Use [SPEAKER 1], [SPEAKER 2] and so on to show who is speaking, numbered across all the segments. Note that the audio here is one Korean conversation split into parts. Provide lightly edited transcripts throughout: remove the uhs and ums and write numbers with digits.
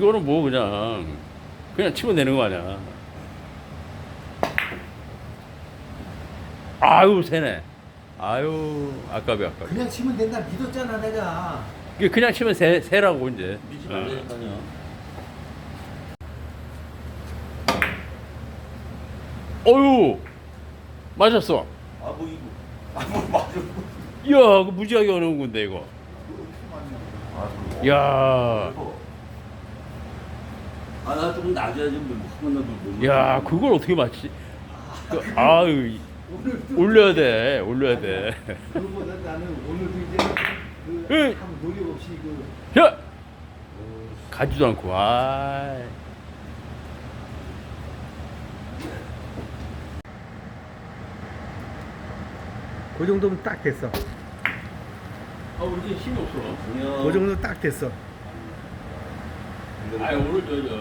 [SPEAKER 1] 이거는 뭐 그냥 치면 되는 거 아니야. 아유 새네. 아유 아깝이.
[SPEAKER 2] 그냥 치면 된다 믿었잖아 내가.
[SPEAKER 1] 이게 그냥 치면 새라고 이제.
[SPEAKER 3] 미지 말라니까요.
[SPEAKER 1] 어유 맞았어.
[SPEAKER 3] 뭐 이거. 뭐 맞아.
[SPEAKER 1] 이야 그 무지하게 어려운 건데 이거. 야.
[SPEAKER 3] 나 조금 낮아야지 뭐한 번도 못.
[SPEAKER 1] 야 그걸 어떻게 맞지? 아유 올려야 돼.
[SPEAKER 2] 그거보다 나는 오늘도 이제
[SPEAKER 1] 응.
[SPEAKER 2] 아무 노력 없이
[SPEAKER 1] 야 가지도 않고. 아.
[SPEAKER 2] 그 정도면 딱 됐어.
[SPEAKER 1] 우리 힘이 없어.
[SPEAKER 2] 그 정도 딱 됐어.
[SPEAKER 1] 오늘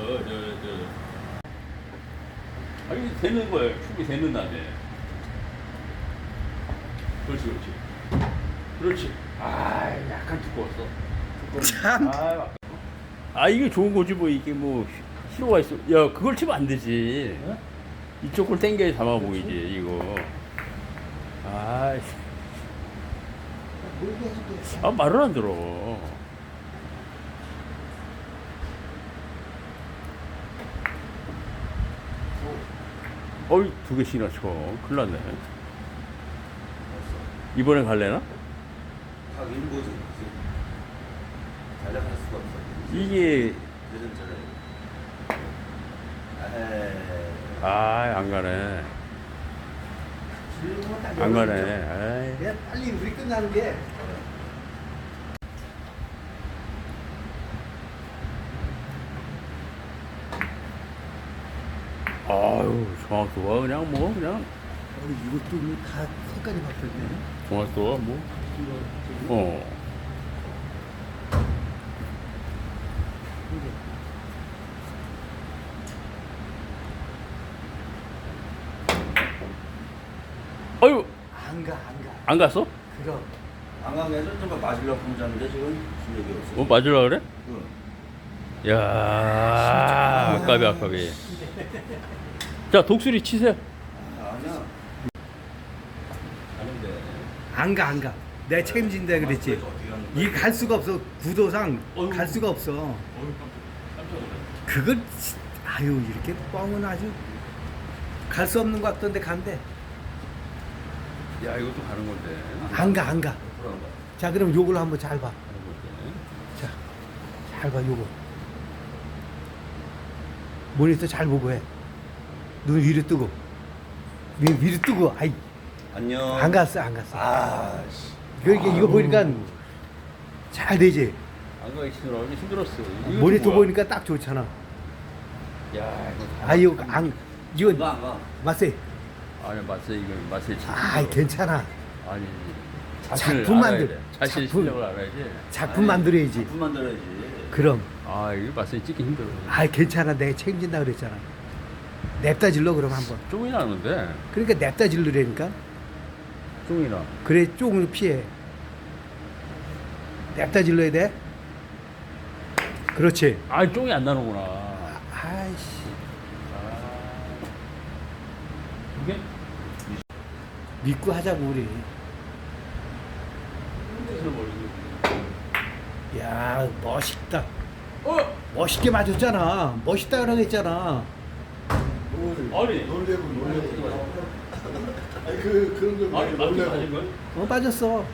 [SPEAKER 1] 이게 되는 거예요. 축이 되는 날에. 그렇지. 약간 두꺼웠어.
[SPEAKER 2] 참.
[SPEAKER 1] 이게 좋은 거지 뭐 이게 뭐 희로가 있어. 야 그걸 치면 안 되지. 이쪽 걸 당겨야 담아 보이지 이거. 말을 안 들어. 어이 2개씩이나 쳐. 큰일 났네. 이번엔 갈래나?
[SPEAKER 3] 가긴 뭐지. 잘나갈 수가 없어.
[SPEAKER 1] 이게
[SPEAKER 3] 늦은
[SPEAKER 1] 안 가네. 안 가네. 아이.
[SPEAKER 2] 그냥 빨리 우리 끝나는 게.
[SPEAKER 1] 아유 정확도가 그냥
[SPEAKER 2] 이것도 다 색깔이 바뀌었네.
[SPEAKER 1] 정확도가 아유 안 갔어?
[SPEAKER 2] 그럼.
[SPEAKER 3] 안강에서 좀 마시려고 하는데 지금 실력이 없어.
[SPEAKER 1] 맞으려 그래?
[SPEAKER 3] 응.
[SPEAKER 1] 야 아깝이. 자 독수리 치세요.
[SPEAKER 3] 아니야.
[SPEAKER 2] 안 가. 내가 책임진다 그랬지. 이 갈 수가 없어. 구도상 갈 수가 없어. 그걸 이렇게 뻥은 아주 갈 수 없는 것 같던데 간대.
[SPEAKER 1] 야 이것도 가는 건데.
[SPEAKER 2] 안 가. 자 그럼 요걸 한번 잘 봐. 자, 잘 봐 요거. 모니터 잘 보고 해. 눈 위로 뜨고. 위로 뜨고.
[SPEAKER 3] 안녕.
[SPEAKER 2] 안 갔어.
[SPEAKER 3] 씨.
[SPEAKER 2] 이거 보니까 잘 되지.
[SPEAKER 1] 안 가기 힘들었어.
[SPEAKER 2] 모니터 보니까 딱 좋잖아.
[SPEAKER 1] 야 이거.
[SPEAKER 2] 이거
[SPEAKER 3] 안 가.
[SPEAKER 2] 맞세.
[SPEAKER 1] 아니 맛을
[SPEAKER 2] 괜찮아.
[SPEAKER 1] 아니
[SPEAKER 2] 작품 만들.
[SPEAKER 1] 자신 실력을 알아야지.
[SPEAKER 2] 작품 만들어야지.
[SPEAKER 3] 작품 만들어야지.
[SPEAKER 2] 그럼.
[SPEAKER 1] 이거 맛을 찍기 힘들어.
[SPEAKER 2] 괜찮아. 내가 책임진다 그랬잖아. 냅다 질러 그럼 한번.
[SPEAKER 1] 쫑이 나는데.
[SPEAKER 2] 그러니까 냅다 질르라니까.
[SPEAKER 1] 쫑이나.
[SPEAKER 2] 그래 쪽을 피해. 냅다 질러야 돼. 그렇지.
[SPEAKER 1] 쫑이 안 나는구나.
[SPEAKER 2] 아이씨.
[SPEAKER 1] 이게
[SPEAKER 2] 믿고 하자고 우리. 야 멋있다. 멋있게 맞았잖아. 멋있다 그러고 했잖아.
[SPEAKER 1] 아니
[SPEAKER 4] 놀래고. 아니 그런 걸 놀래고.
[SPEAKER 1] 맞은 거야?
[SPEAKER 2] 빠졌어.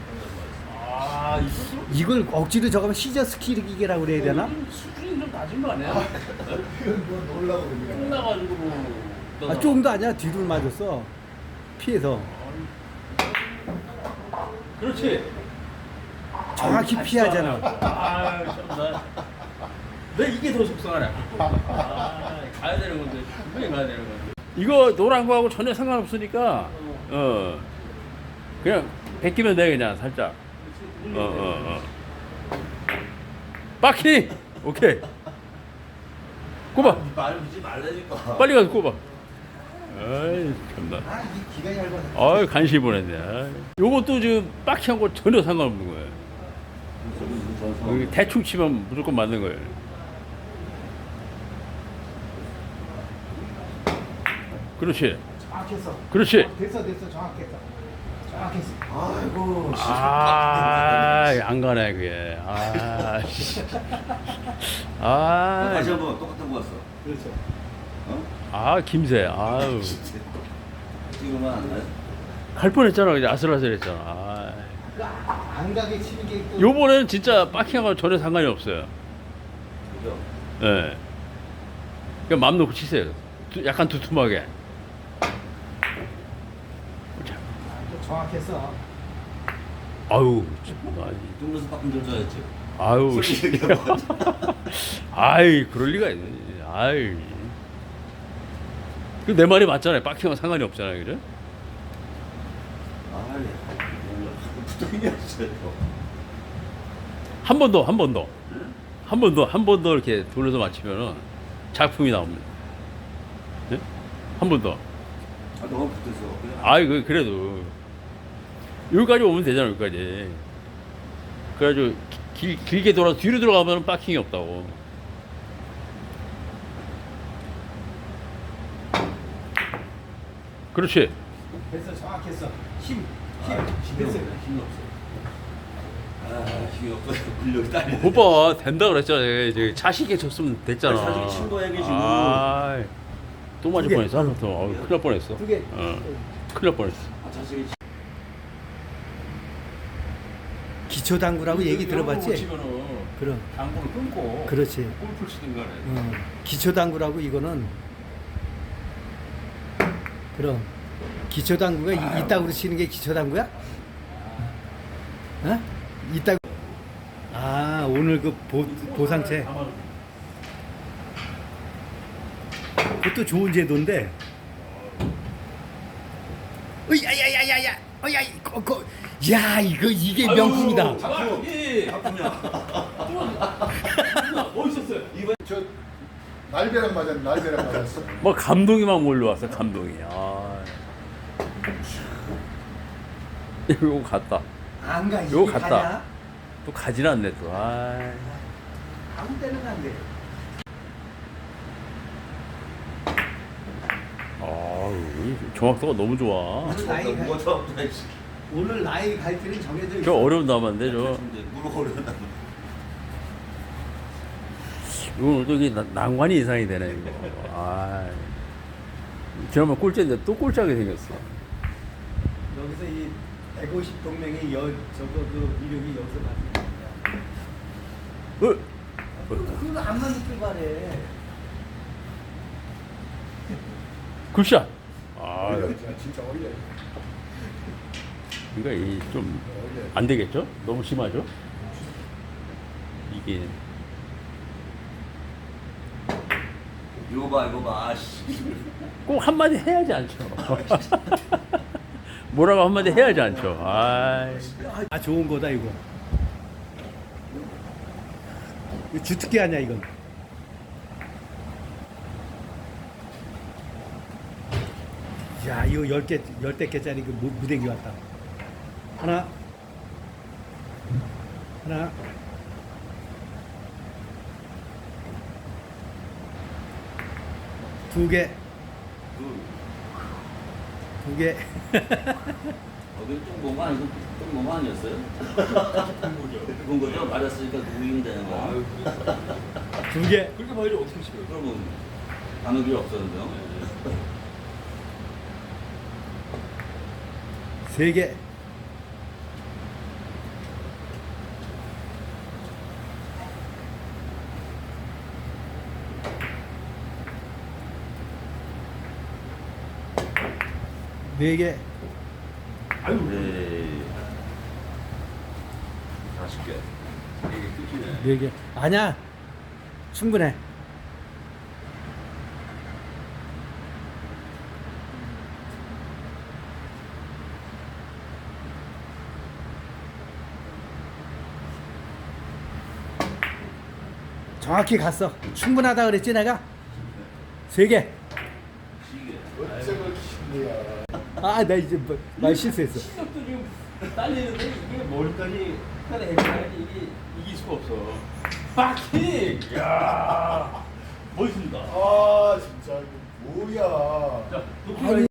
[SPEAKER 1] 이거
[SPEAKER 2] 이걸 억지로 저거면 시저 스키르기라고 그래야 되나?
[SPEAKER 1] 수준이 좀 낮은 거 아니야?
[SPEAKER 4] 그건 뭐 놀라고 그러냐.
[SPEAKER 1] 나가지고.
[SPEAKER 2] 조금도 아니야. 뒤를 맞았어. 피해서.
[SPEAKER 1] 그렇지.
[SPEAKER 2] 정확히 피하잖아.
[SPEAKER 1] 참나. 내 이게 더 속상하네. 가야 되는 건데 분명히 가야 되는 건데. 이거 노란 거하고 전혀 상관없으니까 그냥 베끼면 돼 그냥 살짝. 빠킹. 오케이. 꼽아.
[SPEAKER 3] 말 믿지 말라니까.
[SPEAKER 1] 빨리 가서 꼽아. 아이 참나.
[SPEAKER 2] 이 기가 얇아서.
[SPEAKER 1] 간신히 보냈네. 요것도 지금 빡치한 거 전혀 상관없는 거예요. 대충 치면 무조건 맞는 거예요. 그렇지.
[SPEAKER 2] 정확했어.
[SPEAKER 1] 그렇지.
[SPEAKER 2] 됐어 정확했어. 정확했어.
[SPEAKER 3] 아이고.
[SPEAKER 1] 안 가네 그게.
[SPEAKER 3] 다시 한번 똑같은 거 왔어.
[SPEAKER 2] 그렇죠.
[SPEAKER 3] 어?
[SPEAKER 1] 김새. 아유.
[SPEAKER 3] 지금은 안 나요?
[SPEAKER 1] 갈 뻔했잖아. 그냥 아슬아슬했잖아.
[SPEAKER 2] 안 가게 치는 게 또.
[SPEAKER 1] 요번에는 진짜 빠킹하고 전혀 상관이 없어요.
[SPEAKER 3] 그죠?
[SPEAKER 1] 예. 그냥 마음 놓고 치세요. 약간 두툼하게.
[SPEAKER 2] 정확했어.
[SPEAKER 1] 아유.
[SPEAKER 3] 뚱면서 바꾼 줄 알았지.
[SPEAKER 1] 아유.
[SPEAKER 3] 솔직히 얘기하면.
[SPEAKER 1] 아이 그럴 리가 있네. 아이. 내 말이 맞잖아요. 빠킹하고 상관이 없잖아요. 그죠?
[SPEAKER 3] 아이, 붙어있냐어요.
[SPEAKER 1] 한 번 더. 한 번 더 이렇게 돌려서 맞히면은 작품이 나옵니다. 네? 한 번 더.
[SPEAKER 3] 아, 너무 붙어서.
[SPEAKER 1] 아이 그래도 여기까지 오면 되잖아. 여기까지. 그래가지고 길게 돌아서 뒤로 들어가면 빠킹이 없다고. 그렇지.
[SPEAKER 2] 됐어 정확했어. 힘.
[SPEAKER 3] 힘이
[SPEAKER 2] 됐어.
[SPEAKER 3] 없어. 힘이 없어. 힘이 없어. 근력이 딸려.
[SPEAKER 1] 오빠 된다 그랬잖아. 이제 자식 있게 쳤으면 됐잖아.
[SPEAKER 3] 아니, 자식이 친 거야, 이게 지금.
[SPEAKER 1] 또 맞을
[SPEAKER 2] 두 개.
[SPEAKER 1] 뻔했어. 큰일 날 뻔했어.
[SPEAKER 2] 두 개.
[SPEAKER 1] 큰일 날 뻔했어.
[SPEAKER 3] 자식이
[SPEAKER 2] 기초 당구라고 얘기 들어봤지?
[SPEAKER 1] 치면은
[SPEAKER 2] 그럼.
[SPEAKER 1] 당구를 끊고
[SPEAKER 2] 그렇지.
[SPEAKER 1] 골프 치든 간에.
[SPEAKER 2] 기초 당구라고 이거는. 그럼 기초 당구가 이따구로 치는 게 기초 당구야? 어? 이따. 오늘 그 보상체. 그것도 좋은 제도인데. 야야야야야. 야 이게 명품이다.
[SPEAKER 1] 멋있었어요.
[SPEAKER 4] 저 날벼락 맞았어.
[SPEAKER 1] 뭐 감동이 막 몰려왔어. 감동이. 이거 갔다.
[SPEAKER 2] 안 가.
[SPEAKER 1] 요거 갔다. 또 가진 않네 또.
[SPEAKER 2] 아무 때는 안 돼.
[SPEAKER 1] 정확도가 너무 좋아.
[SPEAKER 2] 오늘 나이 갈피는 정해져 있어.
[SPEAKER 1] 저 어려운 남았는데 저.
[SPEAKER 3] 무릎 어려운다.
[SPEAKER 1] 이건 또 이게 난관이 이상이 되네 이거. 지난번 꼴찌인데 또 꼴찌하게 생겼어.
[SPEAKER 2] 여기서 이 150 동맹의 저거 그 위력이 여기서 받는 그거 안 맞는 줄 바래.
[SPEAKER 1] 굿샷.
[SPEAKER 4] 진짜 어려.
[SPEAKER 1] 그러니까 좀 안 되겠죠? 너무 심하죠? 이게
[SPEAKER 3] 이거 봐. 씨.
[SPEAKER 1] 꼭 한마디 해야지 않죠. 뭐라고 한마디 해야지 않죠.
[SPEAKER 2] 좋은 거다 이거. 이거 주특기 아니야 이건. 야 이거 10개짜리 그 무대기 왔다. 하나. 두 개.
[SPEAKER 3] 어디 똥모가 아니고 똥모가 아니었어요? 본 거죠? 맞았으니까 누구이면 되는 거야.
[SPEAKER 2] 두 개.
[SPEAKER 1] 그렇게 말이 어떻게 치어요?
[SPEAKER 3] 그러면 반응이 없었는데요?
[SPEAKER 2] 세 개. 네 개.
[SPEAKER 3] 아유, 네. 40개.
[SPEAKER 1] 이게 끝이네.
[SPEAKER 2] 네 개. 아니야. 충분해. 정확히 갔어. 충분하다 그랬지 내가? 세 개.
[SPEAKER 4] 어쩌고 신이야.
[SPEAKER 2] 나 이제 말 실수했어.
[SPEAKER 1] 시력도 지금 딸리는데 이게 뭘까지 해야지 이게 이길 수가 없어. 빠킹! 이야 멋있습니다.
[SPEAKER 4] 진짜 이거 뭐야.
[SPEAKER 1] 자,
[SPEAKER 2] 아니,